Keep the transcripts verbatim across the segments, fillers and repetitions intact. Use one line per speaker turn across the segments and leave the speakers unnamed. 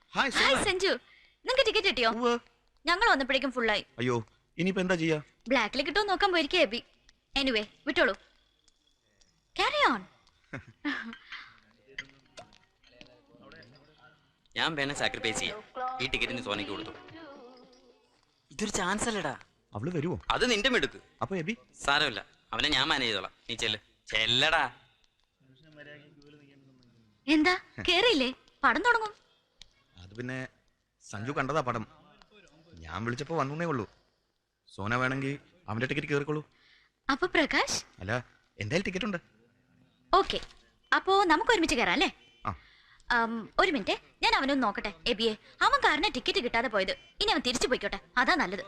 Hi
hi Sanju, നിങ്ങൾക്ക് ticket കിട്ടിയോ? ഞങ്ങൾ വന്നപ്പോഴേക്കും ഫുള്ളായി.
അയ്യോ, ഇനിയിപ്പോ എന്താ ചെയ്യാ?
ബ്ലാക്കിൽ കിട്ടുമോ നോക്കാൻ പോയിരിക്കേ എബി. എനിവേ വിട്ടോളൂ. Carry on.
ഞാൻ വേണേ സാക്രിഫൈസ് ചെയ്യാം. ഈ ടിക്കറ്റിന് സോനയ്ക്ക് കൊടുത്തു. ഇതൊരു ചാൻസ് അല്ലടാ.
അവള് വരുവോ?
അത് നിന്റെ മിടുക്ക്.
അപ്പൊ എബി
സാരമില്ല, അവനെ ഞാൻ മാനേജ് ചെയ്തോളാം. നീ ചെല്ല്. ചെല്ലടാ.
എന്താ കേറിയില്ലേ? പടം തുടങ്ങും.
അത് പിന്നെ സഞ്ജു കണ്ടതാ പടം. ഞാൻ വിളിച്ചപ്പോ വന്നേ ഉള്ളൂ. സോന വേണമെങ്കിൽ അവന്റെ ടിക്കറ്റ് കേറിക്കോളൂ.
അപ്പൊ പ്രകാശ്?
അല്ല, എന്തായാലും ടിക്കറ്റ് ഉണ്ട്.
ഓക്കെ, അപ്പോ നമുക്ക് ഒരുമിച്ച് കയറാം അല്ലേ? ഒരു മിനിറ്റ്, ഞാൻ അവനൊന്ന് നോക്കട്ടെ. എബിയെ, അവൻ കാരണം ടിക്കറ്റ് കിട്ടാതെ പോയത്. ഇനി അവൻ തിരിച്ചു പോയിക്കോട്ടെ, അതാ നല്ലത്.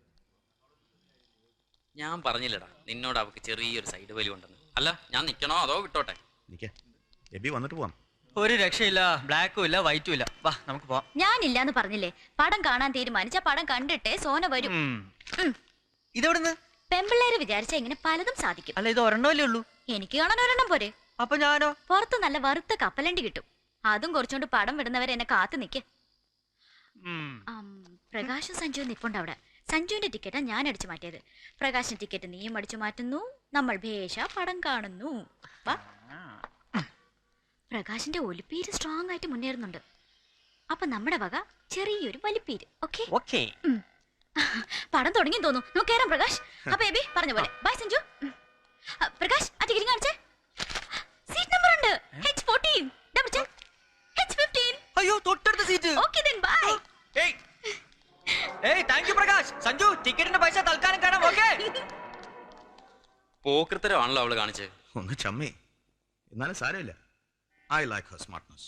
ഞാൻ പറഞ്ഞില്ലടാ നിന്നോട് അവക്ക് ചെറിയൊരു സൈഡ് വലി ഉണ്ടെന്ന്. അല്ല, ഞാൻ നിക്കണോ അതോ വിട്ടോട്ടെ?
എബി വന്നിട്ട് പോവാം.
ഒരു രക്ഷയില്ല, ബ്ലാക്കും ഇല്ല വൈറ്റും ഇല്ല. വാ നമുക്ക് പോവാം.
ഞാനില്ലാന്ന് പറഞ്ഞില്ലേ? പടം കാണാൻ തീരുമാനിച്ച പടം കണ്ടിട്ടേ സോന വരും.
ഇതെവിടുന്ന്?
പെമ്പിള്ളേര് വിചാരിച്ച ഇങ്ങനെ പലതും സാധിക്കും.
അല്ല, ഇത് ഒരെണ്ണമല്ലേ ഉള്ളൂ.
എനിക്ക് കാണാൻ ഒരെണ്ണം പോരെ.
അപ്പൊ ഞാനോ?
പുറത്ത് നല്ല വറുത്ത കപ്പലണ്ടി കിട്ടും. അതും കുറച്ചുകൊണ്ട് പടം വിടുന്നവരെ എന്നെ കാത്തു നിക്ക്. പ്രകാശും സഞ്ജുവും നിപ്പുണ്ട് അവിടെ. സഞ്ജുവിന്റെ ടിക്കറ്റാ ഞാൻ അടിച്ചു മാറ്റിയത്. പ്രകാശിന്റെ ടിക്കറ്റ് നീയും അടിച്ചു മാറ്റുന്നു. നമ്മൾ ഭേഷ പടം കാണുന്നു. വാ. പ്രകാശിന്റെ ഒലിപ്പീര് സ്ട്രോങ് ആയിട്ട് മുന്നേറുന്നുണ്ട്. അപ്പൊ നമ്മുടെ വക ചെറിയൊരു വലിപ്പീര്. Okay
okay.
പടം തുടങ്ങി തോന്നുന്നു. നമുക്ക് കയറാം പ്രകാശ്. അപ്പൊ എബി പറഞ്ഞ പോലെ ബൈ സഞ്ജു. പ്രകാശ് ആ ടിക്കറ്റ് കാണിച്ചേ. സീറ്റ് നമ്പർ ഉണ്ട്. H fourteen. Double check. H fifteen.
അയ്യോ, തൊട്ടടുത്ത സീറ്റ്.
Okay then bye.
ഏയ് ഏയ് താങ്ക് യു പ്രകാശ്. സഞ്ജു, ടിക്കറ്റിന്റെ പൈസ തൽക്കാലം കാണാം. ഓക്കെ.
പോക്കൃത്തരമാണല്ലോ അവള് കാണിച്ചത്.
ഒന്ന് ചമ്മേ, എന്നാലും സാരമില്ല. I like her smartness.